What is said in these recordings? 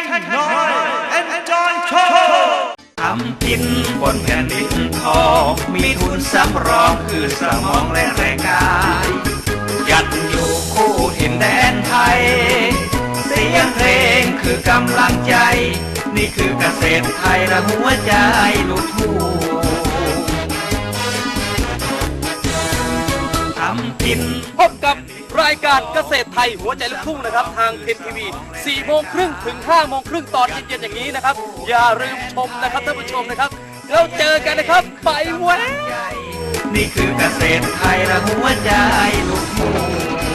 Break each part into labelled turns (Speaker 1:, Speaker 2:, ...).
Speaker 1: น้อย Enjoy Show ทำกินบนแผ่นดินทองมีทุนสำรองคือสมองและแรงกายยัดอยู่คู่ถิ่นแดนไทยเสียงเพลงคือกำลังใจนี่คือเกษตรไทยและหัวใจลูกทุ่งทำกิน
Speaker 2: พบกับรายการเกษตรไทยหัวใจลูกทุ่งนะครับทางเทนทีวี4 โมงครึ่งถึง 5 โมงครึ่งตอนเย็นๆอย่างนี้นะครับอย่าลืมชมนะครับท่านผู้ชมนะครับแล้วเจอกันนะครับไปแว้
Speaker 1: นี่คือเกษตรไทยและหัวใจลูกทุ่ง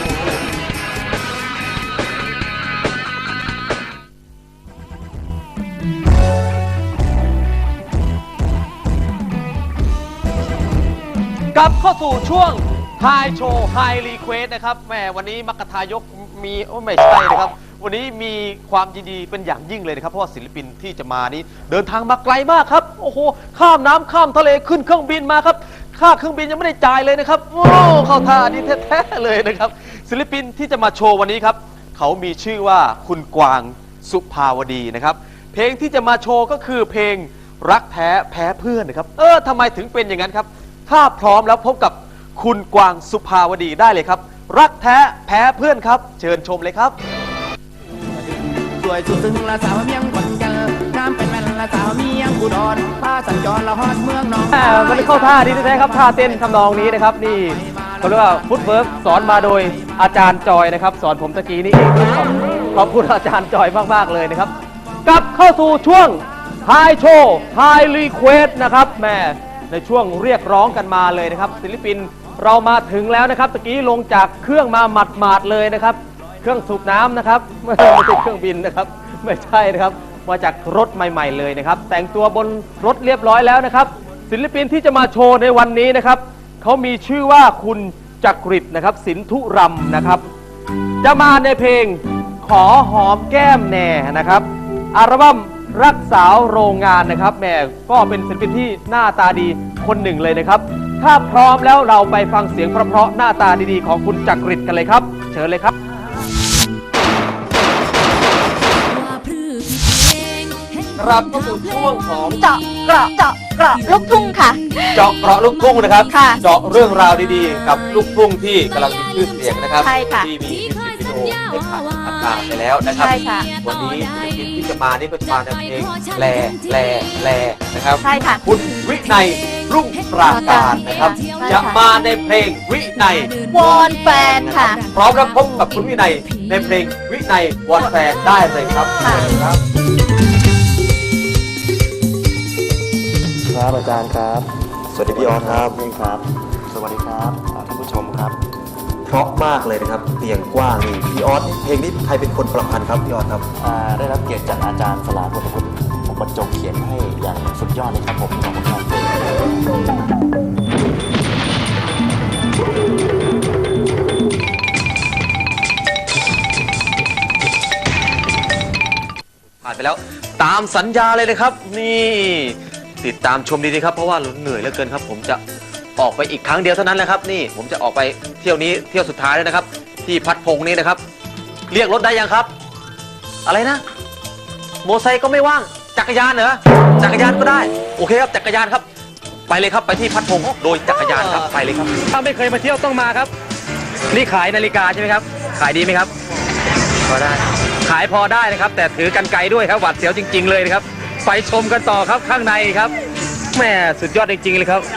Speaker 2: กลับเข้าสู่ช่วงไฮโชว์ไฮรีเควสนะครับแหมวันนี้มักกะทายกมีไม่ใช่นะครับวันนี้มีความยินดีเป็นอย่างยิ่งเลยนะครับเพราะว่าศิลปินที่จะมานี้เดินทางมาไกลมากครับโอ้โหข้ามน้ำข้ามทะเลขึ้นเครื่องบินมาครับค่าเครื่องบินยังไม่ได้จ่ายเลยนะครับโอ้เข้าท่านี้แท้ๆเลยนะครับศิลปินที่จะมาโชว์วันนี้ครับเขามีชื่อว่าคุณกวางสุภาวดีนะครับเพลงที่จะมาโชว์ก็คือเพลงรักแท้แพ้เพื่อนนะครับทำไมถึงเป็นอย่างนั้นครับถ้าพร้อมแล้วพบกับคุณกวางสุภาวดีได้เลยครับรักแท้แพ้เพื่อนครับเชิญชมเลยครับ
Speaker 3: สวยสุดซึ้งละสาวเมียงขวัญเจอน้ำเป็นแม่นละสาวเมียงอุดรผ้าสัญจรละฮอดเมืองน้อง
Speaker 2: มันเข้าท่าดีแท้ๆครับท่าเต้นทำนองนี้นะครับนี่เขาเรียกว่าฟุตเวิร์กสอนมาโดยอาจารย์จอยนะครับสอนผมตะกี้นี่เองขอบคุณอาจารย์จอยมากๆเลยนะครับกลับเข้าสู่ช่วงไฮโชว์ไฮรีเควสนะครับแม่ในช่วงเรียกร้องกันมาเลยนะครับศิลปินเรามาถึงแล้วนะครับตะกี้ลงจากเครื่องมาหมาดๆเลยนะครับเครื่องสูบน้ำนะครับไม่ใช่เครื่องบินนะครับไม่ใช่นะครับมาจากรถใหม่ๆเลยนะครับแต่งตัวบนรถเรียบร้อยแล้วนะครับศิลปินที่จะมาโชว์ในวันนี้นะครับเขามีชื่อว่าคุณจักริดนะครับสินธุรำนะครับจะมาในเพลงขอหอมแก้มแน่นะครับอัลบั้มรักสาวโรงงานนะครับแม่ก็เป็นศิลปินที่หน้าตาดีคนหนึ่งเลยนะครับถ้าพร้อมแล้วเราไปฟังเสียงเพราะๆหน้าตาดีๆของคุณจักริดกันเลยครับเชิญเลยครับครับก็สู่ช่วงของ
Speaker 4: เจาะเกราะลูกทุ่งค่ะ
Speaker 2: เจาะเกราะลูกทุ่งนะครับ
Speaker 4: ค่ะ
Speaker 2: เจาะเรื่องราวดีๆกับลูกทุ่งที่กำลังมีชื่อเสียงนะครับ
Speaker 4: ใช่ค่ะ
Speaker 2: ที่มีมิวสิกวิดีโอได้ผ่านไปแล้วนะครับ
Speaker 4: ใช่ค่ะ
Speaker 2: วันนี้ศิลปินที่จะมานี่ก็จะมาในเพลงแลนะครับ
Speaker 4: ใช่ค่ะ
Speaker 2: คุณวินัยรุ่งปราการนะครับ
Speaker 4: ใช่ค่ะ
Speaker 2: จะมาในเพลงวินัยว
Speaker 4: อนแฟนค่ะ
Speaker 2: พร้อมรับพบกับคุณวินัยในเพลงวินัยวอนแฟนได้เลยครับ
Speaker 4: ค่ะ
Speaker 2: ครับ
Speaker 5: ครับอาจารย์ครับสวัสดีพี่ออสครับนี่ครับสวัสดีครับท่านผู้ชมครับเพราะมากเลยนะครับเตียงกว้างนี่พี่ออสเพลงนี้ใครเป็นคนประพันธ์ครับพี่ออสครับได้รับเกียรติจากอาจารย์สลาพุทธพุทธผมบรรจงเขียนให้อย่างสุดยอดเลยครับผมขอบคุณครับ
Speaker 2: ผ่านไปแล้วตามสัญญาเลยนะครับนี่ติดตามชมดีๆครับเพราะว่าเหนื่อยเหลือเกินครับผมจะออกไปอีกครั้งเดียวเท่านั้นแหละครับนี่ผมจะออกไปเที่ยวนี้เที่ยวสุดท้ายแล้วนะครับที่พัดพงนี้นะครับเรียกรถได้ยังครับอะไรนะโมไซค์ก็ไม่ว่างจักรยานเหรอจักรยานก็ได้โอเคครับจักรยานครับไปเลยครับไปที่พัดพงโดยจักรยานครับไปเลยครับถ้าไม่เคยมาเที่ยวต้องมาครับนี่ขายนาฬิกาใช่ไหมครับขายดีไหมครับพอได้ขายพอได้นะครับแต่ถือกันไกลด้วยครับหวาดเสียวจริงๆเลยนะครับไปชมกันต่อครับข้างในครับแม่สุดยอดจริงๆเลยครับ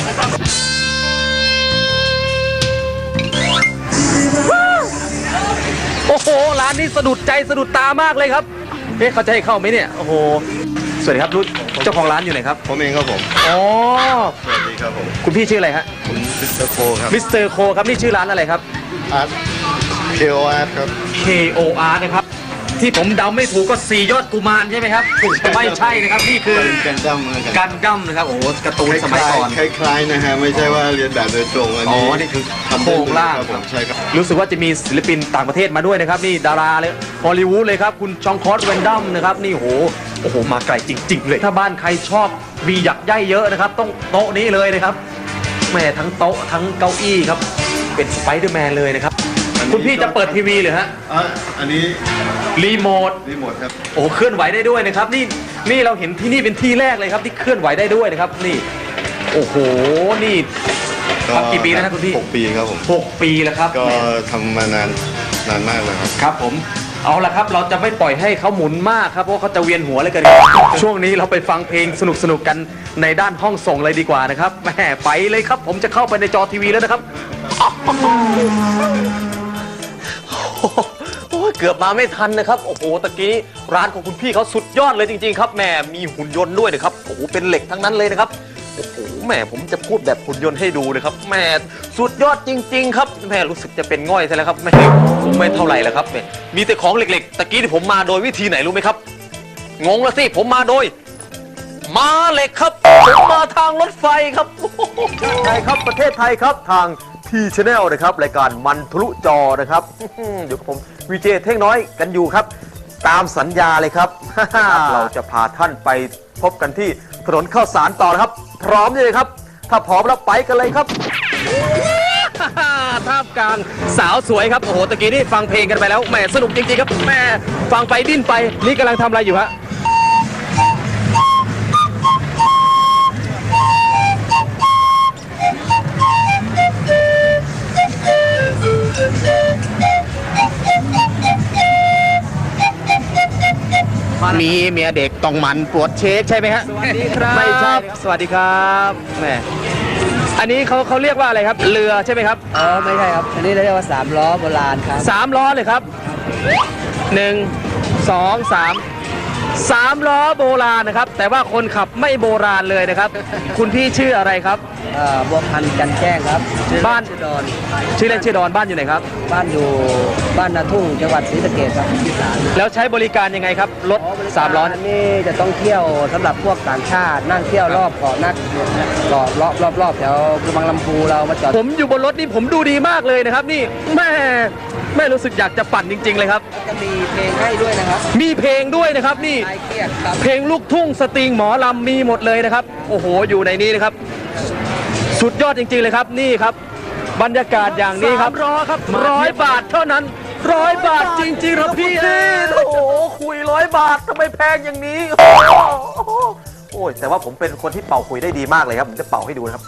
Speaker 2: โอ้โหร้านนี้สะดุดใจสะดุดตามากเลยครับเขาจะให้เข้าไหมเนี่ยโอ้โหสวัสดีครับรุ่นเจ้าของร้านอยู่ไหนครับ
Speaker 6: ผมเองครับผม
Speaker 2: อ๋อ
Speaker 6: สวัสดีครับผม
Speaker 2: คุณพี่ชื่ออะไรฮะ
Speaker 6: ผมมิสเตอร์โคครับ
Speaker 2: มิสเตอร์โคครับนี่ชื่อร้านอะไรครับ
Speaker 6: อาร์ต KOR ครับ
Speaker 2: KOR นะครับที่ผมเดาไม่ถูกก็4ยอดกุมารใช่ไหมครับไม่ใช่นะครับนี่คือ
Speaker 6: กันดั้ม
Speaker 2: นะครับโอ้โหการ์ตูนสมัยก่อน
Speaker 6: คล้ายๆนะฮะไม่ใช่ว่าเรียนแบบโดยตรงอันนี้
Speaker 2: นี่คือโครงล่าง
Speaker 6: ผมใช่ครับ
Speaker 2: รู้สึกว่าจะมีศิลปินต่างประเทศมาด้วยนะครับนี่ดาราเลยฮอลลีวูดเลยครับคุณชองคอสแวนดัมนะครับนี่โอ้โหมาไกลจริงๆเลยถ้าบ้านใครชอบมีหยักใยเยอะนะครับต้องโต๊ะนี้เลยนะครับแม่ทั้งโต๊ะทั้งเก้าอี้ครับเป็นสไปเดอร์แมนเลยนะครับคุณพี่จะเปิดทีวีหรือฮะ
Speaker 6: อันนี้
Speaker 2: รีโมท
Speaker 6: รีโมทครับ
Speaker 2: โอ้เคลื่อนไหวได้ด้วยนะครับนี่เราเห็นที่นี่เป็นที่แรกเลยครับที่เคลื่อนไหวได้ด้วยนะครับนี่โอ้โหนี่ทำกี่ปีแล้วนะคุณพี่
Speaker 6: 6 ปีครับผม
Speaker 2: 6 ปีแล้วครับ
Speaker 6: ก็ทำมานานมากเลยครับ
Speaker 2: ครับผมเอาละครับเราจะไม่ปล่อยให้เขาหมุนมากครับเพราะเขาจะเวียนหัวเลยกันช่วงนี้เราไปฟังเพลงสนุกกันในด้านห้องส่งเลยดีกว่านะครับแหมไปเลยครับผมจะเข้าไปในจอทีวีแล้วนะครับโอ้ยเกือบมาไม่ทันนะครับโอ้โหตะกี้ร้านของคุณพี่เขาสุดยอดเลยจริงๆครับแหมมีหุ่นยนต์ด้วยนะครับโอ้โหเป็นเหล็กทั้งนั้นเลยนะครับโอ้โหแหมผมจะพูดแบบหุ่นยนต์ให้ดูนะครับแหมสุดยอดจริงๆครับแหมรู้สึกจะเป็นง่อยซะแล้วครับแหมไม่เท่าไหร่แล้วครับแหมมีแต่ของเหล็กๆตะกี้ที่ผมมาโดยวิธีไหนรู้ไหมครับงงแล้วสิผมมาโดยม้าเหล็กครับผมมาทางรถไฟครับใช่ครับประเทศไทยครับทางทีชแนลนะครับรายการมันทะลุจอนะครับอยู่กับผมวีเจเท่งน้อยกันอยู่ครับตามสัญญาเลยครับ เราจะพาท่านไปพบกันที่ถนนข้าวสารต่อนะครับพร้อมเลยครับถ้าพร้อมแล้วไปกันเลยครับ ท่ามกลางสาวสวยครับโอ้โหตะกี้นี่ฟังเพลงกันไปแล้วแหมสนุกจริงๆครับแหมฟังไปดิ้นไปนี่กำลังทำอะไรอยู่ฮะมีเมียเด็กต้องมันปวดเช็คใช่ไหมฮะสวัสดีครับไม่ใช่สวัสดีครับแหมอันนี้เขาเรียกว่าอะไรครับเรือใช่ไหมครับ
Speaker 7: อ๋อไม่ใช่ครับอันนี้เรียกว่า3 ล้อโบราณครับ
Speaker 2: 3 ล้อเลยครับ1 2 3ล้อโบราณนะครับแต่ว่าคนขับไม่โบราณเลยนะครับ คุณพี่ชื่ออะไรครับ
Speaker 7: บัวพันธ์จันแจ้งครับ
Speaker 2: บ้าน
Speaker 7: ชื่อดอน
Speaker 2: ชื่อเล่นชื่อดอนบ้านอยู่ไหนครับ
Speaker 7: บ้านอยู่บ้านนาทุ่งจังหวัดศรีสะเกษครับอีสาน
Speaker 2: แล้วใช้บริการยังไงครับรถ3 ล้อ
Speaker 7: นี่จะต้องเที่ยวสำหรับพวกต่างชาตินั่งเที่ยวรอบเกาะนักเกาะรอบแถวกระบังลำพูเรามาจอด
Speaker 2: ผมอยู่บนรถนี่ผมดูดีมากเลยนะครับนี่แม่รู้สึกอยากจะปั่นจริงๆเลยครับ
Speaker 7: จะมีเพลงให้ด้วยนะครับ
Speaker 2: มีเพลงด้วยนะครับนี่เพลงลูกทุ่งสตริงหมอลำมีหมดเลยนะครับโอ้โหอยู่ในนี้นะครับสุดยอดจริงๆเลยครับนี่ครับบรรยากาศอย่างนี้ครับครับ100 บาทเท่านั้น100 บาทจริงๆครับพี่โอ้โหคุย100 บาททำไมแพงอย่างนี้โอ้ยแต่ว่าผมเป็นคนที่เป่าคุยได้ดีมากเลยครับผมจะเป่าให้ดูนะครับ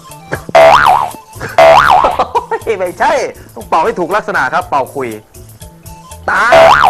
Speaker 2: ไม่ใช่ต้องเป่าให้ถูกลักษณะครับเป่าคุยตา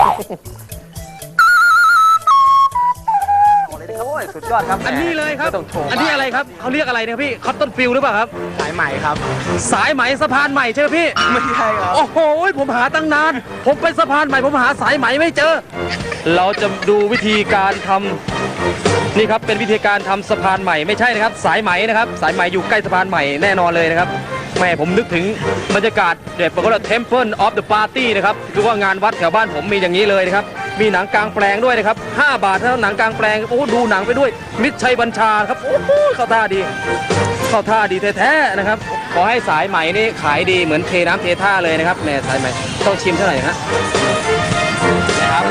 Speaker 2: โอ้ยสุดยอดครับอันนี้เลยครับอันนี้อะไรครับเขาเรียกอะไรเนี่ยพี่คอตตอนฟิลหรือเปล่าครับ
Speaker 7: สายใหม่ครับ
Speaker 2: สายไหมสะพานใหม่ใช่ไหมพี่
Speaker 7: ไม่ใช่ครับ
Speaker 2: โอ้โหผมหาตั้งนานผมไปสะพานใหม่ผมหาสายไหมไม่เจอเราจะดูวิธีการทำนี่ครับเป็นวิธีการทำสะพานใหม่ไม่ใช่นะครับสายไหมนะครับสายไหมอยู่ใกล้สะพานใหม่แน่นอนเลยนะครับแม่ผมนึกถึงบรรยากาศเด็ดปกติ Temple of the Party นะครับคือว่างานวัดแถวบ้านผมมีอย่างนี้เลยนะครับมีหนังกลางแปลงด้วยนะครับ5 บาทเท่าหนังกลางแปลงโอ้ดูหนังไปด้วยมิตรชัยบัญชาครับโอ้โหเข้าท่าดีแท้ๆนะครับขอให้สายไหมนี่ขายดีเหมือนเทน้ำเทท่าเลยนะครับแม่สายไหมต้องชิมเท่าไหร่ฮะนะครับ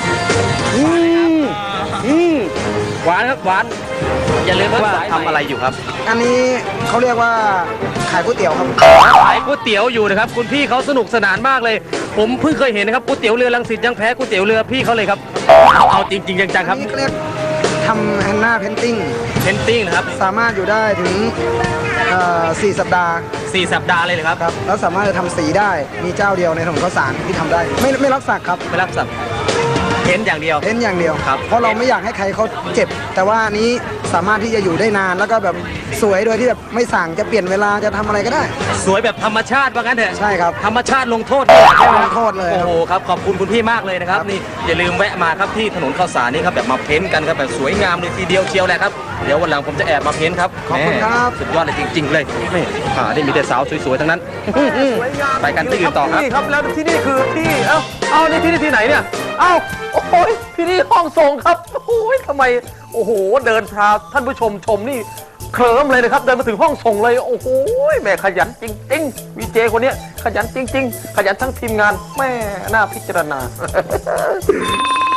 Speaker 2: หวานครับหวานอย่าลืมว่าทำอะไรอยู่ครับ
Speaker 7: อันนี้เขาเรียกว่าขายก๋วยเตี๋ยวครับ
Speaker 2: ขายก๋วยเตี๋ยวอยู่นะครับคุณพี่เขาสนุกสนานมากเลยผมเพิ่งเคยเห็นนะครับก๋วยเตี๋ยวเรือรังสิตยังแพ้ก๋วยเตี๋ยวเรือพี่เขาเลยครับเอาจริงๆจังๆครับ
Speaker 7: นี่เรียกทำแฮนนาเพนติ้ง
Speaker 2: นะครับ
Speaker 7: สามารถอยู่ได้ถึง4 สัปดาห์
Speaker 2: 4 สัปดาห์เลยเหรอครับ
Speaker 7: แล้วสามารถจะทำสีได้มีเจ้าเดียวในถนนข้าวสารที่ทำได้ไม่รับสักครับ
Speaker 2: ไม่รับสักเพ้นอย่างเดียว
Speaker 7: ครับเพราะเราไม่อยากให้ใครเขาเจ็บแต่ว่านี้สามารถที่จะอยู่ได้นานแล้วก็แบบสวยโดยที่แบบไม่สั่งจะเปลี่ยนเวลาจะทำอะไรก็ได้
Speaker 2: สวยแบบธรรมชาติว่างั้นเถอะ
Speaker 7: ใช่ครับ
Speaker 2: ธรรมชาติลงโทษ
Speaker 7: ลงโทษเลย
Speaker 2: โอ้โหครับขอบคุณคุณพี่มากเลยนะครับนี่อย่าลืมแวะมาครับที่ถนนข้าวสารนี่ครับแบบมาเพ้นกันครับแบบสวยงามเลยทีเดียวเชียวแหละครับเดี๋ยววันหลังผมจะแอบมาเพ้นครับ
Speaker 7: ขอบคุณครับ
Speaker 2: สุดยอดเลยจริงๆเลยนี่ได้มีแต่สาวสวยๆทั้งนั้นไปกันที่อื่นต่อครับนี่ครับแล้วที่นี่คือที่เอานี่ที่ไหนเนี่ยโอ้ยที่นี่ห้องส่งครับโอ้ยทำไมโอ้โหเดินพาท่านผู้ชมนี่เคลิ้มเลยนะครับเดินมาถึงห้องส่งเลยโอ้โหแม่ขยันจริงๆวีเจคนนี้ขยันจริงๆขยันทั้งทีมงานแม่น่าพิจารณา